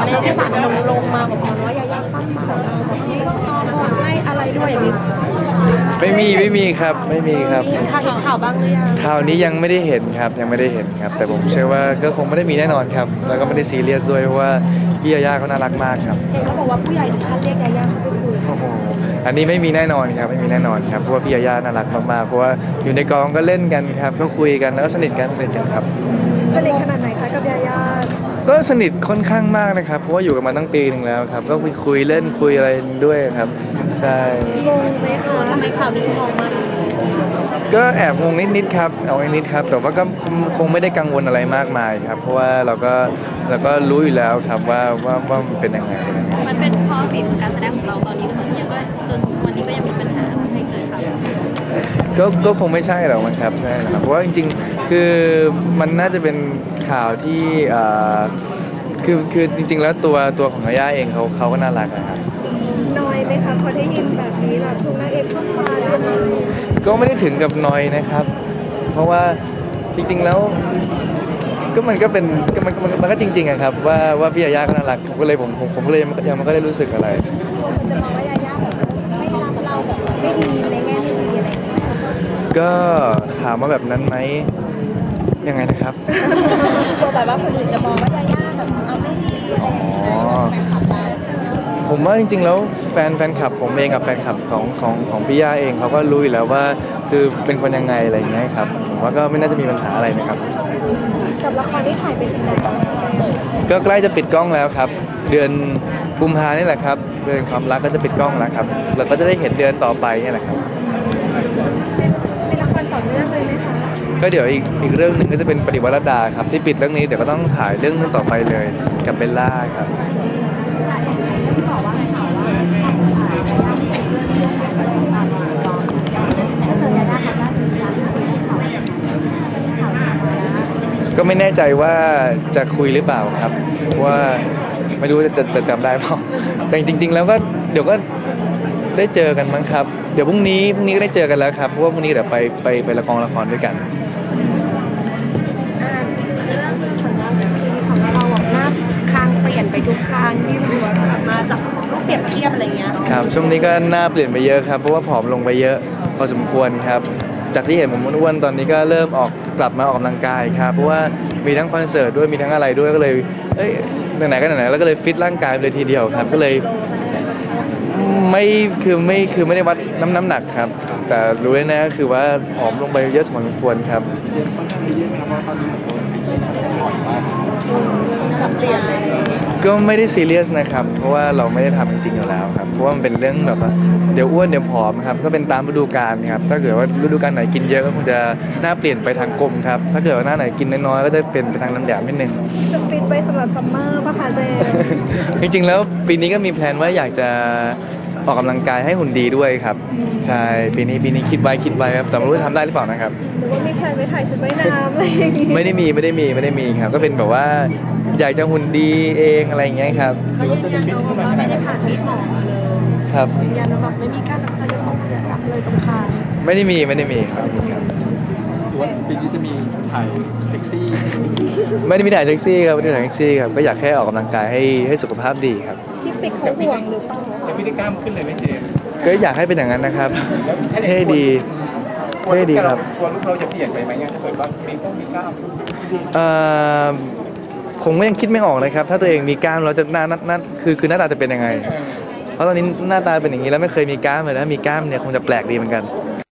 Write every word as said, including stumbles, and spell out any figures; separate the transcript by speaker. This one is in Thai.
Speaker 1: ในในสารลงลงมาบอกว่ายายาปั้นมาแบบนี้ก็พอพอให้อะไรด้วยอย่างนี้
Speaker 2: ไม่มีไม่มีครับไม่มีครับ
Speaker 1: เห็นข่าวเห็นข่าวบ้างหรือยัง
Speaker 2: ข่าวนี้ยังไม่ได้เห็นครับยังไม่ได้เห็นครับแต่ผมเชื่อว่าก็คงไม่ได้มีแน่นอนครับแล้วก็ไม่ได้ซีเรียสด้วยเพราะว่าพี่ยาย่าเขาน่ารักมากครับ
Speaker 1: เห็นเขาบอกว่าผู้ใหญ่ถึงขั้นเรียกยายาเข้าไปคุย
Speaker 2: โอ้โหอันนี้ไม่มีแน่นอนครับไม่มีแน่นอนครับเพราะว่าพี่ยาย่าน่ารักมากๆเพราะว่าอยู่ในกองก็เล่นกันครับก็คุยกันแล้วก็สนิทกันสนิทกันครับ
Speaker 1: สนิทขนาดไหนคะกับยาย่า
Speaker 2: ก็สนิทค่อนข้างมากนะครับเพราะว่าอยู่กันมาตั้งปีหนึ่งแล้วครับก็คุยคุยเล่นคุยอะไรด้วยครับใช่
Speaker 1: งงไหมคะทำไมข่าวนี้งงมาก
Speaker 2: ก็แอบงงนิดๆครับเอานิดๆครับแต่ว่าก็คงไม่ได้กังวลอะไรมากมายครับเพราะว่าเราก็เราก็รู้อยู่แล้วครับว่าว่าว่ามันเป็นยังไง
Speaker 3: มันเป็นเพราะฝีมือการแสดงของเราตอนนี้หรือเปล่ายังก็จนวันนี้ก็ยังมีปัญหาทำให้เกิดข่าว
Speaker 2: ก็ก็คงไม่ใช่หรอกมันครับใช่ครับเพราะว่าจริงๆคือมันน่าจะเป็นข่าวที่คือคือจริงๆแล้วตัวตัวของย่าเองเขาเขาก็น่ารักนะครับ
Speaker 1: น้อยไหมคะพอได้ยินแบบนี้แบบทุกนางเอกเข้ามา
Speaker 2: ก็ไม่ได้ถึงกับน้อยนะครับ เพราะว่าจริงๆแล้วก็มันก็เป็นมันมันมันก็จริงๆอะครับว่าว่าพี่ยาย่าก็น่ารักผมก็เลยผมผมผมก็เลยยังมันก็ได้รู้สึกอะไร
Speaker 1: จะมองว่ายาย่าแบบไม่รักเราแบบไม่ดีในแง่ไม่ดีอะไรอย่างเงี้ย
Speaker 2: ก็ถามว่าแบบนั้นไหมยังไงนะครับ
Speaker 1: ตัวแบบว่าคนอื่นจะมองว่ายาย่าแบบเอาไม่ดีอะไรอย่างเงี้ยแฟนคลับเรา
Speaker 2: ผมว่าจริงๆแล้วแฟนแฟนคลับผมเองกับแฟนคลับของของของพี่ย่าเองเขาก็รู้อยู่แล้วว่าคือเป็นคนยังไงอะไรอย่างเงี้ยครับผมว่าก็ไม่น่าจะมีปัญหาอะไรนะครับ
Speaker 1: กับละครที่ถ่ายไปถึงไหน
Speaker 2: ก็ใกล้จะปิดกล้องแล้วครับเดือนกุมภานี่แหละครับเดือนความรักก็จะปิดกล้องแล้วครับเราก็จะได้เห็นเดือนต่อไปนี่แหละครับ
Speaker 1: เป็นละครต่อเนื่องเลยไหมคะ
Speaker 2: ก็เดี๋ยวอีกอีกเรื่องหนึ่งก็จะเป็นปฏิวัติรัตดาครับที่ปิดเรื่องนี้เดี๋ยวก็ต้องถ่ายเรื่องนึงต่อไปเลยกับเบลล่าครับก็ไม่แน่ใจว่าจะคุยหรือเปล่าครับว่าไม่รู้จะจะจำได้เปล่าแต่จริงๆแล้วก็เดี๋ยวก็ได้เจอกันมั้งครับเดี๋ยวพรุ่งนี้พรุ่งนี้ก็ได้เจอกันแล้วครับเพราะว่าพรุ่งนี้เดี๋ยวไปไปไปละครละครด้วยกัน
Speaker 1: ของเราแบบหน้าคางเปลี่ยนไปทุกครั้งที่ดูมาจากรูปเปรียบเทียบอะไรเงี้ย
Speaker 2: ครับช่วงนี้ก็หน้าเปลี่ยนไปเยอะครับเพราะว่าผอมลงไปเยอะพอสมควรครับจากที่เห็นผมอ้วนๆตอนนี้ก็เริ่มออกกลับมาออกกำลังกายครับเพราะว่ามีทั้งคอนเสิร์ตด้วยมีทั้งอะไรด้วยก็เลยเอ้ยไหนๆก็ไหนๆแล้วก็เลยฟิตร่างกายเลยทีเดียวครับก็เลยไม่คือไม่คือไม่ได้วัดน้ำน้ำหนักครับแต่รู้แน่ๆก็คือว่าผอมลงไปเยอะสมควรครับ
Speaker 1: จะเปลี่ยนอะไร
Speaker 2: ก็ไม่ได้ซีเรียสนะครับเพราะว่าเราไม่ได้ทำจริงๆอยู่แล้วครับเพราะว่ามันเป็นเรื่องแบบว่าเดี๋ยวอ้วนเดี๋ยวผอมครับก็เป็นตามฤดูกาลครับถ้าเกิดว่าฤดูกาลไหนกินเยอะก็คงจะหน้าเปลี่ยนไปทางกลมครับถ้าเกิดว่าหน้าไหนกินน้อยๆก็จะเป็นไปทางน้ำหยาบนิดนึง
Speaker 1: จะฟิตไปสำหรับซัมเมอร์ป่ะคะเจ
Speaker 2: จริงๆแล้วปีนี้ก็มีแพลนว่าอยากจะออกกำลังกายให้หุ่นดีด้วยครับใช่ปีนี้ปีนี้คิดไว้คิดไว้ครับแต่ไม่รู้จะทำได้หรือเปล่านะครับ
Speaker 1: หรือว่ามีแพลนไปถ่ายชุดว่ายน้ำอะไรอย่างงี้
Speaker 2: ไม่ได้มีไม่ได้มีไม่ได้มีครับก็เป็นแบบว่าอยากจะหุ่นดีเองอะไรอย่างเงี้ยครับ
Speaker 1: เขายืนยันว่าไม่ได้ผ่านที่หมอเลย
Speaker 2: ครับ
Speaker 1: ยืนยันว่าไม่มีการรักษาเรื่องเสียจับเลยตรงคาง
Speaker 2: ไม่ได้มีไม่ได้มีครับครับ
Speaker 4: ว่าปีนี้จะมีถ่ายเซ็กซี่
Speaker 2: ไม่ได้มีถ่ายเซ็กซี่ครับไม่ได้ถ่ายเซ็กซี่ครับก็อยากแค่ออกกำลังกายให้ให้สุขภาพดีครับ
Speaker 1: ที่ปิดเขาห่วงหรือเปล่า
Speaker 4: แต่พี่ได้กล้ามขึ้นเลยไหมเจม
Speaker 2: ก็อยากให้เป็นอย่างนั้นนะครับให้ดีให้ดีครับ
Speaker 4: กลัวลูกเราจะเปลี่ยนไปไหมเนี่ยถ้าเกิดว่ามีพวกมีกล้าม
Speaker 2: เอ่อผมก็ยังคิดไม่ออกเลยครับถ้าตัวเองมีกล้ามเราจะหน้าหน้าคือคือหน้าตาจะเป็นยังไงเพราะตอนนี้หน้าตาเป็นอย่างนี้แล้วไม่เคยมีกล้ามเลยนะมีกล้ามเนี่ยคงจะแปลกดีเหมือนกัน